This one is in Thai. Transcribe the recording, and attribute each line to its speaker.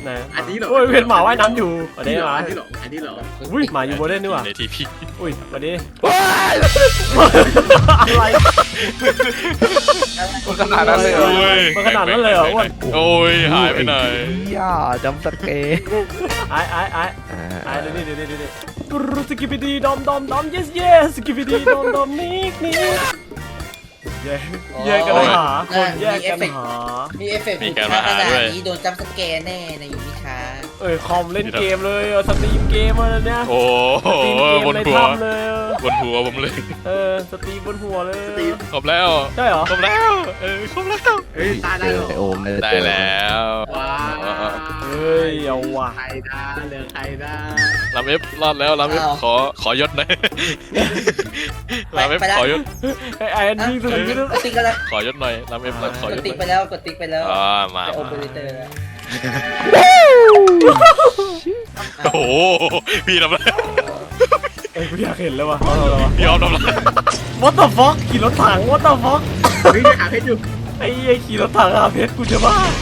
Speaker 1: ไหน
Speaker 2: อันนี้เหรอ
Speaker 1: โอ้ยเห็นหมาว่ายน้ำอยู่อันนี้หมา
Speaker 2: อันนี้เหรออันนี้เหรอ
Speaker 1: อุ้ยหมาอยู่บนเล่นนี่หว่า
Speaker 3: ในทีพี
Speaker 1: อุ้ยวันนี้อะไร
Speaker 4: มันขนาดนั้นเลยเหรอ
Speaker 1: มันขนาดนั้นเลยเหรออ้วน
Speaker 3: โอ้ยหายไปไหน
Speaker 4: ย่าจำสเกย์
Speaker 1: ไอ้เดี๋ยวนี่สกิปปี้ดีดอม yes yes สกิปปี้ดีดอมนิกแยกกันหาคนแยกกันหา
Speaker 5: มีเอฟเฟกต์ขนาดนี้โดนจัมป์สแกร์แน่ในยูนิชา
Speaker 1: คอมเล่นเกมเลยสตรีมเกมอะไรเนี่ย
Speaker 3: โอ้
Speaker 1: สตรีมเกม
Speaker 3: บน
Speaker 1: ใน
Speaker 3: หัว
Speaker 1: ถ้ำเลย
Speaker 3: บนหัวผมเลย
Speaker 1: สตรีมบนหัวเลย
Speaker 3: ครบแล้ว
Speaker 1: ใช่เหรอ
Speaker 3: ครบแล้วครบแล้ว
Speaker 2: เฮ้ยตายได้เหรอ
Speaker 4: ไอโอมเลย
Speaker 3: ได้แล้ว
Speaker 2: ว้า
Speaker 1: เฮ้ยเอาว่ะ
Speaker 2: ใครได้เหลือใครได้
Speaker 3: ลำเอฟรอดแล้วลำเอฟขอยศหน่อยลำเอฟขอยศ
Speaker 1: ไอ้อันนี้สุดที่
Speaker 5: กดติ๊กแล้ว
Speaker 3: ขอยศหน่อยลำเอฟขอย
Speaker 5: ก
Speaker 3: ศ
Speaker 5: ดติ๊ก
Speaker 3: ห
Speaker 5: ไป
Speaker 3: น่อย
Speaker 5: แล้วกดติ๊กไปแล้ว
Speaker 3: มา
Speaker 5: จะโอเปอเรเตอร์แล้ว
Speaker 3: โอ้โหพี่ทำอะไร
Speaker 1: กูอยากเห็นเลยว่ะ
Speaker 3: พี่ออมทำอะไร
Speaker 1: What the fuck ขี่รถถัง What the fuck
Speaker 2: เฮ้ยหาเพชรอยู่
Speaker 1: ไอ้ขี่รถถังหาเพชรกูจะบ้า